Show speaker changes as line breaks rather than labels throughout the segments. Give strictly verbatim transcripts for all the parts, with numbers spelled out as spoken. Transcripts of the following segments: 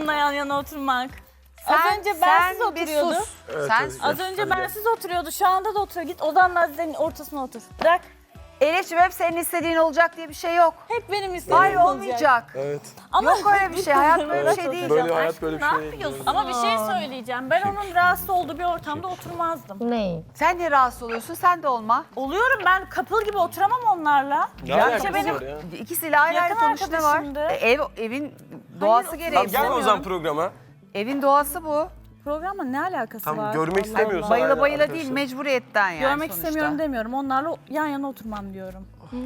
onunla yan yana oturmak.
Sen,
Az önce bensiz
sen bir
oturuyordu.
sus.
Evet,
sen
evet.
sus.
Az önce bensiz oturuyordu. Şu anda da oturuyor. Git odanın Azize'nin ortasına otur. Bırak.
Elif'ciğim hep senin istediğin olacak diye bir şey yok.
Hep benim istediğim
Hayır
olacak.
olmayacak.
Evet.
Ama
Yok öyle bir şey. Hayat böyle bir
Rahat
şey değil.
oturacağım.
Böyle hayat böyle bir
Ne
şey değil.
yapıyorsun?
Ama bir şey söyleyeceğim. Ben onun rahatsız olduğu bir ortamda oturmazdım.
Ne?
Sen niye rahatsız oluyorsun? Sen de olma.
Oluyorum ben couple gibi oturamam onlarla.
Ne
Ya
alakası
işte benim
var ya?
ikisiyle ayrı ayrı
Yakın
konuş ne var?
arkadaşımdı.
E, ev, evin doğası gereği.
Tamam gelme o zaman
istemiyorum.
programa.
Evin doğası bu.
Programla ne alakası
Tamam,
var?
görmek
Allah
istemiyorsan
Allah.
Bayıla
Aynen
bayıla
arkadaşlar.
değil mecburiyetten yani
Görmek
sonuçta.
istemiyorum demiyorum. Onlarla yan yana oturmam diyorum.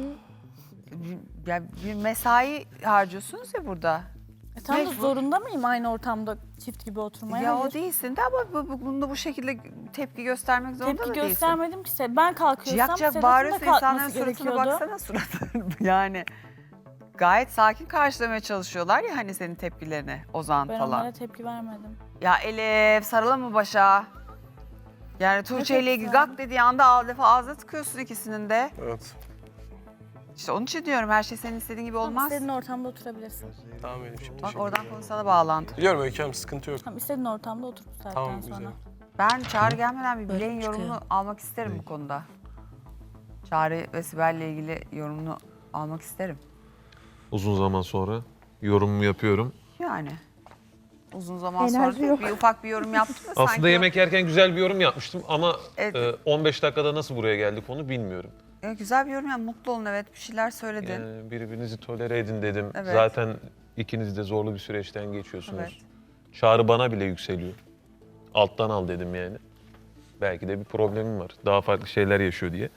Ya bir mesai harcıyorsunuz ya burada.
E tam da
Mecbur.
zorunda mıyım aynı ortamda çift gibi oturmaya?
Ya
Hayır.
o değilsin de ama bu, bu, bunda bu şekilde tepki göstermek zorunda
Tepki
da değilsin.
göstermedim ki. Se- Ben kalkıyorsam
Ciyak ciyak
Sedat'ın da
bağırıyorsun insanların
kalkması
suratına
gerekiyordu.
baksana suratına. Yani gayet sakin karşılamaya çalışıyorlar ya hani senin tepkilerini Ozan
Ben
falan.
onlara tepki vermedim.
Ya Elif sarıla mı başa? Yani Tuğçe ile ilgili
tepki
gak dediği anda al defa ağzına tıkıyorsun ikisinin de.
Evet.
İşte onun için diyorum her şey senin istediğin gibi
Tamam,
olmaz.
istediğin ortamda oturabilirsin.
Tamam benim şimdi.
Bak oradan konu sana bağlandı.
Biliyorum Öykü Hanım sıkıntı yok.
Tamam, istediğin ortamda otur bu saatten
Tamam
sonra.
güzel.
Ben Çağrı gelmeden bir Bileğin
çıkıyor.
yorumunu almak isterim bu konuda. Çağrı ve Sibel'le ilgili yorumunu almak isterim.
Uzun zaman sonra yorumumu yapıyorum.
Yani uzun zaman sonra değil, bir ufak bir yorum yaptım da
Aslında
sanki
yemek yerken güzel bir yorum yapmıştım ama
Evet.
e, on beş dakikada nasıl buraya geldik onu bilmiyorum.
o, güzel bir yorum yani mutlu olun evet bir şeyler söyledin.
Yani birbirinizi tolere edin dedim.
Evet.
Zaten ikiniz de zorlu bir süreçten geçiyorsunuz.
Evet.
Çağrı bana bile yükseliyor. Alttan al dedim yani. Belki de bir problemim var. Daha farklı şeyler yaşıyor diye.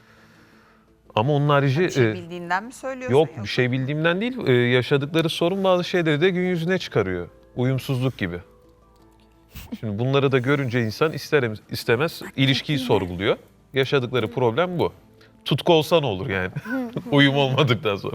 Ama onun harici...
Bir şey
e,
bildiğinden mi söylüyorsun?
Yok bir şey bildiğimden değil. Ee, yaşadıkları sorun bazı şeyleri de gün yüzüne çıkarıyor. Uyumsuzluk gibi. Şimdi bunları da görünce insan ister istemez ilişkiyi sorguluyor. Yaşadıkları problem bu. Tutku olsa ne olur yani? Uyum olmadıktan sonra.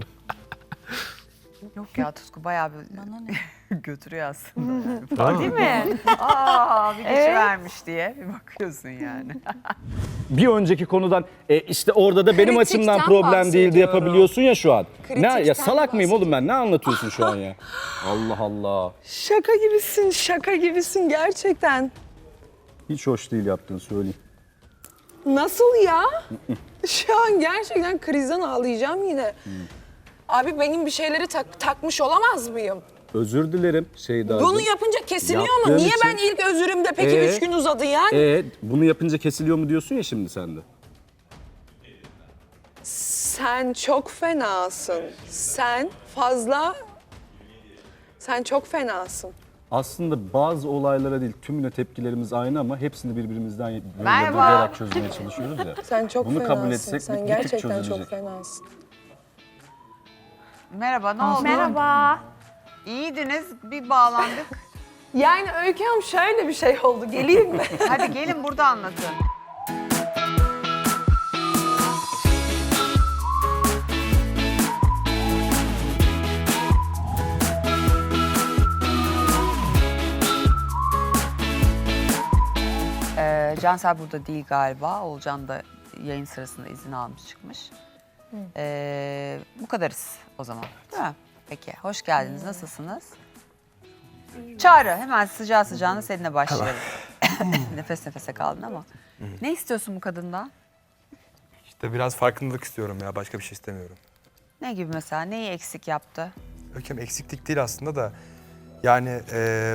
Yok ya Tutku bayağı bir
Bana ne?
götürüyor aslında. Yani.
Tamam.
Değil mi? Aa bir geçivermiş diye bir bakıyorsun yani.
Bir önceki konudan e, işte orada da benim
Kritikten
açımdan problem değildi
bahsediyorum.
yapabiliyorsun ya şu an. Ne
Kritikten
ya salak mıyım oğlum
bahsediyorum.
ben? Ne anlatıyorsun şu an ya? Allah Allah.
Şaka gibisin, şaka gibisin gerçekten.
Hiç hoş değil yaptığını söyleyeyim.
Nasıl ya? Şu an gerçekten krizden ağlayacağım yine. Abi benim bir şeyleri tak- takmış olamaz mıyım?
Özür dilerim Şeyda'cığım.
Bunu yapınca kesiliyor mu?
Yaptığın
Niye
için-
ben ilk özürümde peki
Ee?
üç gün uzadı yani?
E, bunu yapınca kesiliyor mu diyorsun ya şimdi sen de.
Sen çok fenasın. Sen fazla... Sen çok fenasın.
Aslında bazı olaylara değil tümüne tepkilerimiz aynı ama hepsini birbirimizden böyle
Merhaba.
bulayarak çözmeye çalışıyoruz ya.
Sen çok
Bunu
fenasın.
kabul etsek
Sen
bir- bir tık
gerçekten çok
çözülecek.
fenasın.
Merhaba ne oldu?
Merhaba.
İyiydiniz bir bağlandık.
Yani Öykü Hanım şöyle bir şey oldu. Geleyim mi?
Hadi gelin burada anlatın. Ee, Cansel burada değil galiba. Oğulcan da yayın sırasında izin almış çıkmış. Ee, bu kadarız o zaman. Değil mi? Peki hoş geldiniz. Nasılsınız? Çağrı hemen sıcağı sıcağına seninle başlayalım. Nefes nefese kaldın ama. Ne istiyorsun bu kadından?
İşte biraz farkındalık istiyorum ya. Başka bir şey istemiyorum.
Ne gibi mesela? Neyi eksik yaptı?
Öyküm eksiklik değil aslında da. Yani eee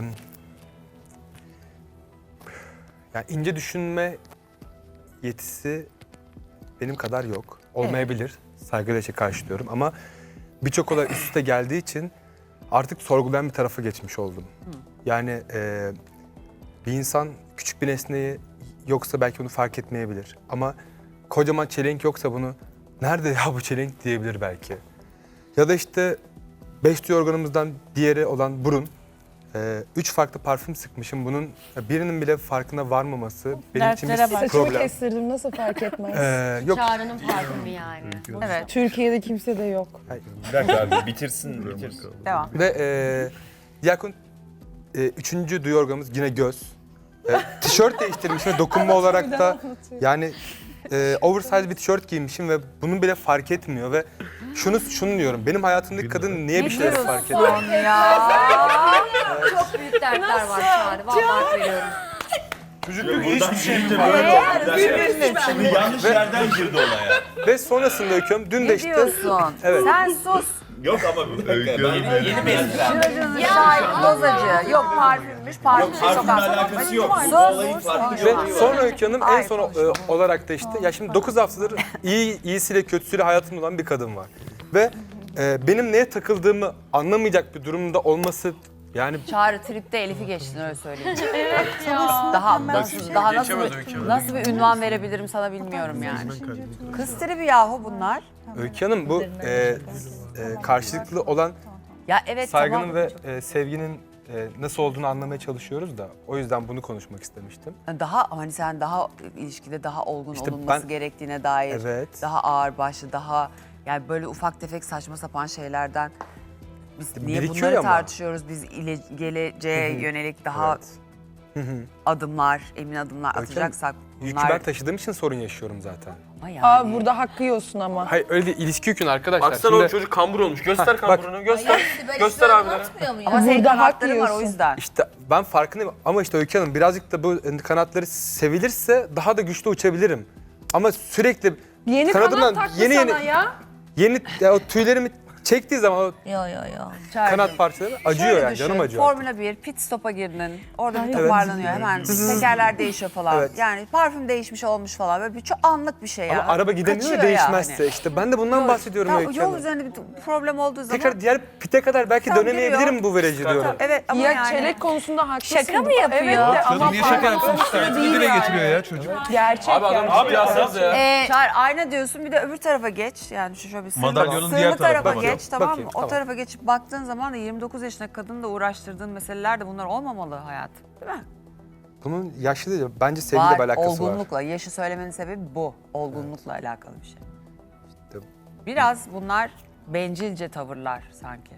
yani ince düşünme yetisi benim kadar yok. Olmayabilir. Saygıyla şey karşılıyorum ama birçok olay üst üste geldiği için artık sorgulayan bir tarafa geçmiş oldum. Yani eee, bir insan küçük bir nesneyi yoksa belki onu fark etmeyebilir. Ama kocaman çelenk yoksa bunu nerede ya bu çelenk diyebilir belki. Ya da işte beş duyu organımızdan diğeri olan burun. Ee, üç farklı parfüm sıkmışım. Bunun birinin bile farkına varmaması benim için bir
Dertlere bak.
Saçımı
problem.
kestirdim nasıl fark etmez?
Ee, yok.
Çağrı'nın parfümü yani.
Evet,
Türkiye'de kimse de yok.
Bir dakika abi bitirsin bitirsin.
devam.
Ve e, diğer konu e, üçüncü duyu organımız yine göz. E, tişört değiştirmişim ve dokunma olarak da yani e, oversize bir tişört giymişim ve bunun bile fark etmiyor ve şunu şunu diyorum. Benim hayatımdaki kadın niye bir şeyleri fark etmiyor?
Ya.
Çok büyük dertler var Çağrı. Vallahi veriyorum.
Çocuk hiçbir şey mi? Şimdi yanlış yerden girdi olaya.
Ve sonrasında Öykü Hanım dün de
Ne
işte...
diyorsun?
Evet.
Sen sus.
Yok ama bir dakika. Yeni, yeni
Şıracının şahit bozacı. Yok parfümmüş, parfüm
Parfümle
sokakta.
alakası yok. Bu
Sus.
olayın farklı bir
Ve
olayı var.
sonra Öykü Hanım en
Ay,
son
konuşma.
e, olarak da işte ya şimdi dokuz haftadır iyi iyisiyle kötüsüyle hayatımda olan bir kadın var. Ve e, benim neye takıldığımı anlamayacak bir durumda olması yani
Çağrı tripte Elif'i geçtin öyle söyleyeyim. Daha nasıl, daha nasıl, bir, nasıl bir ünvan verebilirim sana bilmiyorum yani. Kız tribi yahu bunlar.
Öykü Hanım bu e, e, karşılıklı olan
Ya evet
saygının
tamam.
ve e, sevginin e, nasıl olduğunu anlamaya çalışıyoruz da o yüzden bunu konuşmak istemiştim.
Daha hani sen daha ilişkide daha olgun
İşte
olunması
ben-
gerektiğine dair.
Evet.
Daha ağır başlı, daha yani böyle ufak tefek saçma sapan şeylerden biz niye
birikiyor
bunları
ama.
tartışıyoruz? Biz ile, geleceğe yönelik daha
Evet.
adımlar, emin adımlar
Öykü
atacaksak
Yükü
bunlar
ben taşıdığım için sorun yaşıyorum zaten.
ama yani.
Aa burada hakkı yiyorsun ama.
Hayır öyle değil, ilişki yükün arkadaşlar.
Baksana
Şimdi-
o çocuk kambur olmuş. Göster
bak.
kamburunu, göster. Göster abilere.
Ama senin
Burada hak
kanatların var o
yiyorsun.
yüzden.
İşte ben farkındayım ama işte Öykü Hanım birazcık da bu kanatları sevilirse daha da güçlü uçabilirim. Ama sürekli
Yeni
kanadımdan
kanat taktı
yeni
sana
yeni
ya.
yeni ya o tüylerimi çektiği zaman o
Yo yo yo.
kanat parçaları acıyor
Şöyle
yani
düşün,
canım acıyor.
Formula bir pit stop'a girdin. Orada bir
Evet.
toparlanıyor hemen. Tekerler değişiyor falan.
Evet.
Yani parfüm değişmiş olmuş falan. Böyle bir çok anlık bir şey
Ama
ya.
araba gidemiyor ya
Kaçıyor
değişmezse.
yani.
İşte ben de bundan bahsediyorum
Tamam,
Öykü
yol
Hanım.
üzerinde bir problem olduğu zaman.
Tekrar diğer pite kadar belki
Tamam,
dönemeyebilirim
giriyor.
bu virajı diyorum.
Evet ama
Ya
yani.
çelik konusunda haklısın.
Şaka mı yapıyor?
Evet de ama
Niye şaka
farklı
yapsın?
bir şey
İşte
değil
dile
yani.
getiriyor ya çocuk.
Gerçek
Abi adam
gerçek.
ciddi alsanıza ya.
Ee, Çağır ayna diyorsun bir de öbür tarafa geç. Yani şu şöyle bir sığınma,
Madalyonun
sığınma
diğer
tarafa
tarafına
geç
bak.
tamam mı?
Bakayım,
O
tamam.
tarafa geçip baktığın zaman da yirmi dokuz yaşındaki kadını da uğraştırdığın meseleler de bunlar olmamalı hayatım. Değil mi?
Bunun yaşlı değil bence sevgiyle bir
Var,
alakası var.
olgunlukla. Yaşı söylemenin sebebi bu. Olgunlukla alakalı bir şey.
İşte
Biraz bunlar bencilce tavırlar sanki.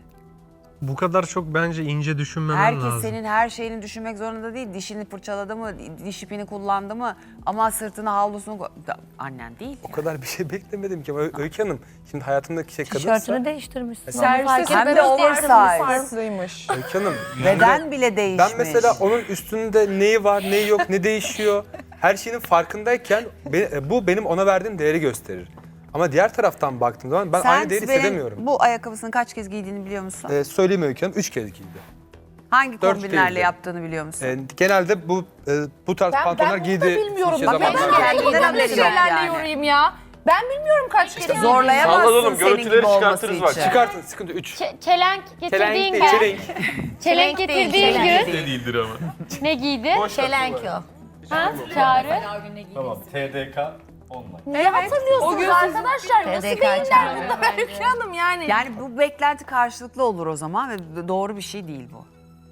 Bu kadar çok bence ince düşünmemen
Herkes
lazım.
senin her şeyini düşünmek zorunda değil. Dişini fırçaladı mı, diş ipini kullandı mı ama sırtına havlusunu koy... Da- Annen değil.
o kadar bir şey beklemedim ki. Ö- Öykü Hanım şimdi hayatımdaki şey kadınsa.
Tişörtünü değiştirmişsin.
Serviste
Hem de
senin
oversize.
farklıymış.
Öykü Hanım.
Beden bile değişmiş.
Ben mesela onun üstünde neyi var, neyi yok, ne değişiyor. Her şeyin farkındayken be- bu benim ona verdiğim değeri gösterir. Ama diğer taraftan baktığım zaman ben
Sen
aynı değeri
Sibel'in
hissedemiyorum.
bu ayakkabısını kaç kez giydiğini biliyor musun?
Ee, söyleyeyim Öykü Hanım, üç kez giydi.
Hangi
dört
kombinlerle
değildi.
yaptığını biliyor musun?
Ee, genelde bu e, bu tarz pantolonlar giydi.
bilmiyorum.
şey
Bak ben
zamanlarda.
kendinden
kendinden
haberi
böyle
yok
şeylerle
yani.
yorayım ya. Ben bilmiyorum kaç kere.
Zorlayamazsın
Salla oğlum,
senin
görüntüleri
gibi olması
çıkartırız bak.
için.
Çıkartın, sıkıntı üç.
Ç- çelenk getirdiğin
Çelenk
gün,
değil, çelenk.
çelenk getirdiğin gün
Ne değildir ama.
ne giydi?
Çelenk o.
Ha? Çağrı.
Tamam T D K online.
Ne hatırlıyorsunuz
O gün
arkadaşlar? Nasıl
T D K
beyinler
çağrı.
bunlar Öykü Hanım yani.
Yani bu beklenti karşılıklı olur o zaman ve doğru bir şey değil bu.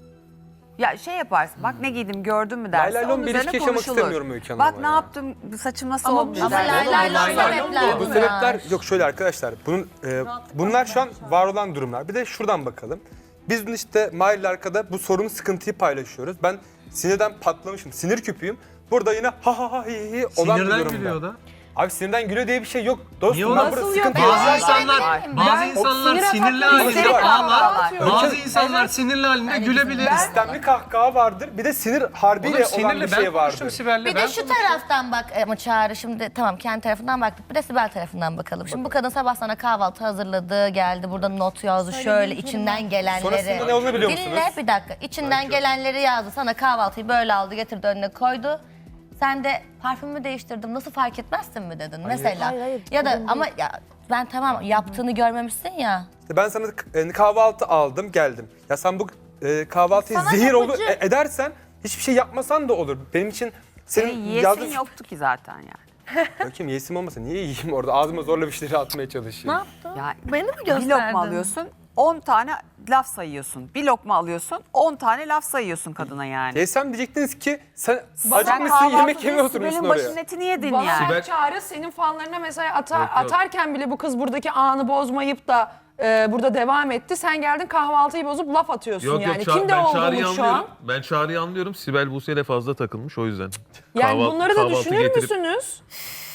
Ya şey yaparsın, bak ne giydim gördün mü dersin,
Lay lay lom
onun
bir
üzerine
ilişki yaşamak
konuşulur.
istemiyorum Öykü Hanım
Bak
ama
ne
ya.
yaptım, saçım nasıl
Ama,
olmuş
ama
dersin.
lay lay lay sebepler
Bu
bunlar.
sebepler yok şöyle arkadaşlar. Bunun e, bunlar şu an var olan durumlar. Bir de şuradan bakalım. Biz dün işte Mahir'le arkada bu sorunu, sıkıntıyı paylaşıyoruz. Ben sinirden patlamışım. Sinir küpüyüm. Burada yine ha ha ha hi hi olan bir
Sinirden
durumda.
gülüyor da.
Abi sinirden gülüyor diye bir şey yok.
Niye
Dostum ben
olmaz?
burada
Nasıl
sıkıntı
yok?
yok.
Bazı insanlar, bazı
Ben-
insanlar
sinir
sinirli
atakları
halinde
var.
ağlar.
Öykü-
Bazı insanlar sinirli halinde gülebilir.
İstemli kahkaha vardır. Bir de sinir harbiyle
Oğlum
olan
sinirli
bir
ben
şey
konuştum
vardır.
Sibel'le.
Bir
ben
de şu taraftan bak ama Çağrı şimdi tamam kendi tarafından baktık. Bir de Sibel tarafından bakalım. Şimdi bu kadın sabah sana kahvaltı hazırladı, geldi burada not yazdı şöyle içinden gelenleri.
Sonrasında ne olduğunu biliyor musunuz?
Dinle bir dakika. İçinden gelenleri yazdı. Sana kahvaltıyı böyle aldı, getirdi önüne koydu. Sen de parfümümü değiştirdim nasıl fark etmezsin mi dedin mesela.
Hayır, hayır,
ya da
sorun
ama ya ben tamam yaptığını görmemişsin ya.
İşte ben sana e, kahvaltı aldım geldim. Ya sen bu e, kahvaltıyı
Sana
zehir olur
yapıcı.
e, edersen hiçbir şey yapmasan da olur. Benim için
Senin
senin
yiyesin
yazdığın...
yoktu ki zaten yani.
Bakayım yesim olmasa niye yiyeyim orada? Ağzıma zorla bir şeyleri atmaya
Ne
çalışayım.
yaptın?
Ya
Beni mi
bir
gösterdin?
lokma alıyorsun, on tane laf sayıyorsun. Bir lokma alıyorsun, on tane laf sayıyorsun kadına yani.
Yesem diyecektiniz ki sen
Sen
acıkmışsın
kahvaltıda
yemek yemeye oturmuşsun
Sibel'in
oraya.
başının etini yedin
Bana
yani.
bak Çağrı senin fanlarına mesela ata- atarken bile bu kız buradaki anı bozmayıp da e, burada devam etti. Sen geldin kahvaltıyı bozup laf atıyorsun
Yok
yani.
yok Ça-
Kimde
ben
oldu
Çağrı'yı
bu şu an?
anlıyorum. Ben Çağrı'yı anlıyorum. Sibel Buse'yle fazla takılmış o yüzden.
Yani
Kahval-
bunları da
kahvaltı
düşünür
getirip-
müsünüz?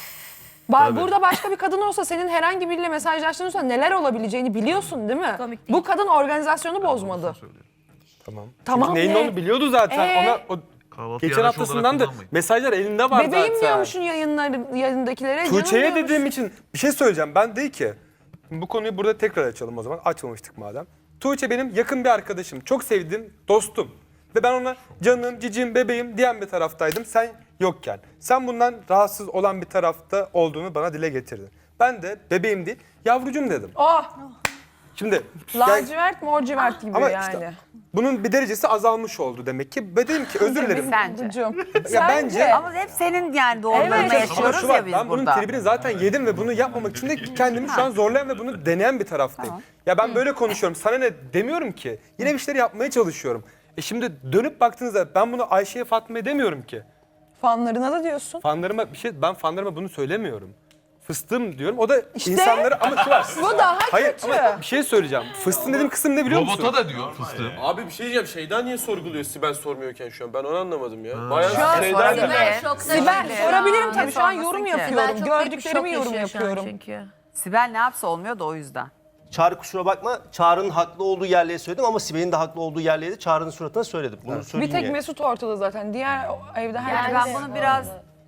Ba-
Tabii.
Burada başka bir kadın olsa senin herhangi biriyle mesajlaştığında neler olabileceğini biliyorsun değil mi?
Komik değil.
Bu kadın organizasyonu bozmadı.
Tamam.
Tamam
Çünkü neyin
ne?
olduğunu biliyordu zaten.
Ee?
Ona o
Kahvaltı
geçen
araç olarak
haftasından da
kullanmayın.
mesajlar elinde var
Bebeğim
zaten.
diyormuşsun yayınları, yayındakilere. canım
Tuğçe'ye
diyormuşsun.
dediğim için bir şey söyleyeceğim. Ben değil ki. Bu konuyu burada tekrar açalım o zaman. Açmamıştık madem. Tuğçe benim yakın bir arkadaşım. Çok sevdiğim dostum. Ve ben ona canım, cicim, bebeğim diyen bir taraftaydım. Sen yokken. Sen bundan rahatsız olan bir tarafta olduğunu bana dile getirdin. Ben de bebeğim değil, yavrucum dedim.
Oh,
Şimdi
lacivert mor civert gibi
ama
yani.
işte bunun bir derecesi azalmış oldu demek ki. Ben dedim ki özür dilerim.
Sence?
Yavrucuğum.
Ya bence
Ama hep senin yani doğrularını
Evet.
ama
yaşıyoruz
şu var,
ya biz
ben bunun
burada.
tribini zaten yedim ve bunu yapmamak için de kendimi şu an zorlayan ve bunu deneyen bir taraftayım. Ya ben böyle konuşuyorum. Sana ne demiyorum ki. Yine bir şeyler yapmaya çalışıyorum. E şimdi dönüp baktığınızda ben bunu Ayşe'ye, Fatma'ya demiyorum ki.
Fanlarına da diyorsun.
Fanlarıma bir şey, ben fanlarıma bunu söylemiyorum. Fıstığım diyorum. O da
İşte.
insanları ama şu var.
Bu daha
Hayır
kötü.
ama bir şey söyleyeceğim. Fıstığım dediğim kısım ne biliyor musun?
Robota da diyor fıstığım.
Abi bir şey diyeceğim. Şeyda niye sorguluyor Sibel sormuyorken şu an? Ben onu anlamadım ya. Bayağı
Şu an
Şeyda
sorabilir.
ile-
Ben sorabilirim tabii, şu an
Sormasın
yorum
ki.
yapıyorum.
Ben çok büyük bir
Gördüklerimi
şok
yorum
yaşıyor şu an
yapıyorum.
çünkü.
Sibel ne yapsa olmuyor da o yüzden.
Çağrı kusura bakma. Çağrı'nın haklı olduğu yerleri söyledim ama Sibel'in de haklı olduğu yerleri de Çağrı'nın suratına söyledim. Bunu
Bir
söyleyeyim
tek
diye.
Mesut ortada zaten. Diğer evde
Yani
herkes...
ben bunu biraz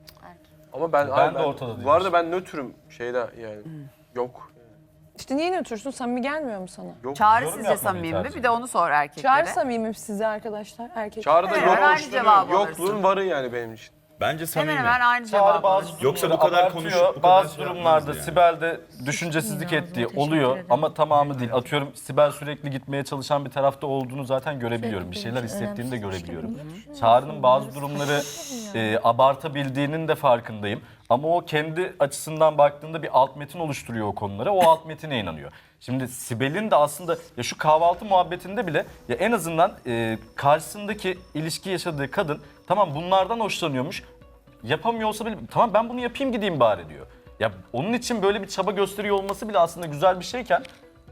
Ama ben,
Ben
abi
de ortada değilim.
Bu arada ben nötrüm Şeyda yani. Yok.
İşte niye nötürsün? Samimi gelmiyor mu sana?
Yok.
Çağrı
Yorum
sizce
yapmayı
samimi mi?
tercih
Bir de onu sor erkeklere.
Çağrı samimi size arkadaşlar, erkek.
Çağrı'da
Evet,
yok
aynı
oluşturuyor.
cevabı
Yokluğun
alırsın.
varı yani benim için.
Bence samimi.
Hemen hemen aynı
Çağrı
cevabı
bazı
alırsın.
Yoksa bu kadar konuş, bu kadar
bazı
şey
durumlarda
yapmazdı yani.
Sibel de düşüncesizlik ettiği oluyor ama tamamı değil. Atıyorum Sibel sürekli gitmeye çalışan bir tarafta olduğunu zaten görebiliyorum. Bir şeyler hissettiğini de görebiliyorum. Çağrı'nın bazı durumları e, abartabildiğinin de farkındayım. Ama o kendi açısından baktığında bir alt metin oluşturuyor o konulara. O alt metine inanıyor. Şimdi Sibel'in de aslında ya şu kahvaltı muhabbetinde bile ya en azından e, karşısındaki ilişki yaşadığı kadın tamam bunlardan hoşlanıyormuş. Yapamıyor olsa bile tamam ben bunu yapayım gideyim bari diyor. Ya onun için böyle bir çaba gösteriyor olması bile aslında güzel bir şeyken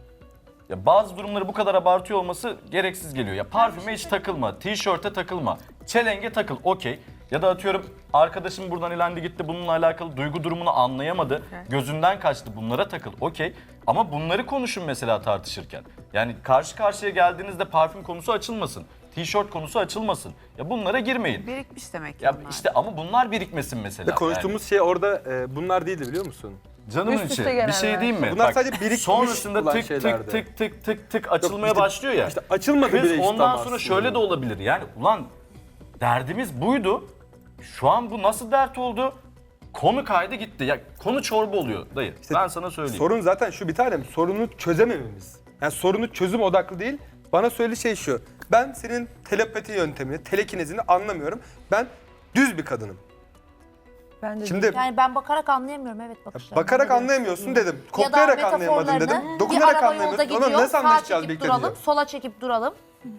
ya bazı durumları bu kadar abartıyor olması gereksiz geliyor. Ya parfüme hiç takılma, tişörte takılma, çelenge takıl okey. Ya da atıyorum arkadaşım buradan elendi gitti bununla alakalı duygu durumunu anlayamadı. Gözünden kaçtı bunlara takıl okey. Ama bunları konuşun mesela tartışırken. Yani karşı karşıya geldiğinizde parfüm konusu açılmasın. Tişört konusu açılmasın. Ya bunlara girmeyin.
Birikmiş demek ki
Ya
bunlar.
işte ama bunlar birikmesin mesela.
Ve konuştuğumuz şey orada e, bunlar değildi biliyor musun?
Yani. Canımın
Üst üste
içi. Bir
gelenler.
şey diyeyim mi?
Bunlar sadece birikmiş
sonrasında
olan
tık
şeylerdi.
tık tık tık tık tık açılmaya
işte-
başlıyor ya.
İşte açılmadı
Kız
bile işte
ondan
ama
sonra
aslında.
şöyle de olabilir. Yani ulan derdimiz buydu. Şu an bu nasıl dert oldu? Konu kaydı gitti. Ya konu çorba oluyor dayı. Ben sana söyleyeyim.
Sorun zaten şu bir tanem, sorunu çözemememiz. Yani sorunu çözüm odaklı değil. Bana söylediği şey şu. Ben senin telepati yöntemini, telekinezini anlamıyorum. Ben düz bir kadınım.
Ben de
Şimdi
Yani ben bakarak anlayamıyorum evet bakışlarını.
bakarak anlayamıyorsun dedim.
Ya da
Koklayarak anlayamadın
metaforlarını,
dedim.
bir
Dokunarak
araba yolda
anlayamıyorsun.
gidiyor,
Ona nasıl
sağa
anlaşacağız
çekip
birlikte
duralım,
diyor.
sola çekip duralım.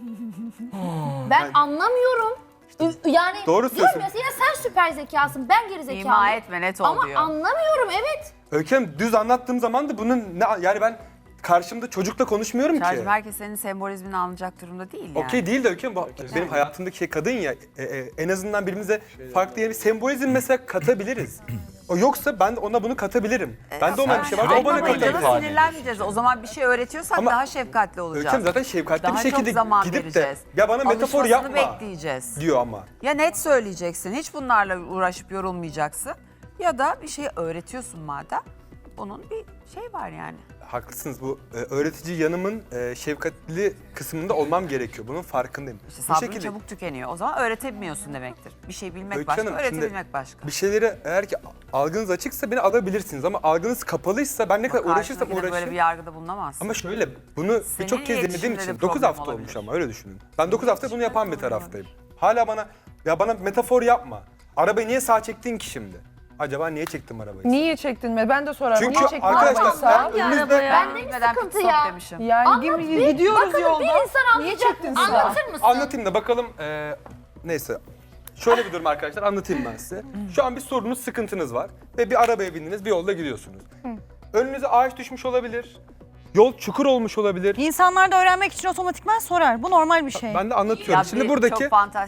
ben anlamıyorum. Ü- Yani
Doğru
diyorum
söylüyorsun.
ya yine sen süper zekasın, ben geri zekalıyım.
İma etme net ol
Ama
diyor.
anlamıyorum evet.
Öykü Hanım, düz anlattığım zaman da bunun ne, yani ben karşımda çocukla konuşmuyorum ki.
Çağrı'cığım herkes senin sembolizmini anlayacak durumda değil yani.
Okey değil de Öykü Hanım, bu benim hayatımdaki şey kadın ya. e, e, en azından birbirimize farklı yeni bir sembolizm mesela katabiliriz. O yoksa ben de ona bunu katabilirim. Ben de ona bir şey var, o bana
Anlamayınca da
katabilir.
sinirlenmeyeceğiz. O zaman bir şey öğretiyorsak
Ama
daha şefkatli
Öykü
olacağız.
Hanım zaten şefkatli
Daha
bir şekilde
çok zaman
gidip
vereceğiz.
de ya bana metafor
Alışmasını
yapma
bekleyeceğiz.
diyor ama.
Ya net söyleyeceksin, hiç bunlarla uğraşıp yorulmayacaksın. Ya da bir şey öğretiyorsun madem. Bunun bir şey var yani.
Haklısınız, bu e, öğretici yanımın e, şefkatli kısmında olmam gerekiyor. Bunun farkındayım.
İşte
Bu
sabrın
şekilde
çabuk tükeniyor. O zaman öğretemiyorsun demektir. Bir şey bilmek
Öykü
başka,
Hanım,
öğretebilmek
şimdi
başka.
bir şeyleri eğer ki algınız açıksa beni alabilirsiniz ama algınız kapalıysa ben ne kadar uğraşırsam
Karşındakine böyle bir
uğraşayım.
yargıda bulunamazsın.
Ama şöyle bunu birçok kez dinlediğim
iletişimde de
için dokuz
problem
hafta
olabilir.
olmuş ama öyle düşünün. Ben dokuz hafta bunu yapan bir taraftayım. Hala bana ya bana metafor yapma. Arabayı niye sağa çektin ki şimdi? Acaba niye çektim arabayı?
Niye çektin mi? Ben de sorarım.
Çünkü
Niye çektin
arkadaşlar
arabayı sağa?
eğer önünüzde
Ben de mi
Bilmeden
sıkıntı
pit stop
ya?
demişim.
Yani
Anlat
gibi
bir,
gidiyoruz
bakalım
yolda.
bir insan
Niye
anlayacak.
çektin sağa?
Anlatır mısın?
anlatayım da bakalım eee, neyse. Şöyle bir durum arkadaşlar, anlatayım ben size. Şu an bir sorunuz, sıkıntınız var ve bir arabaya bindiniz, bir yolda gidiyorsunuz. Önünüze ağaç düşmüş olabilir, yol çukur olmuş olabilir.
İnsanlar da öğrenmek için otomatikman sorar. Bu normal bir şey.
Ben de anlatıyorum.
Ya
Şimdi
bir
buradaki
çok fantastik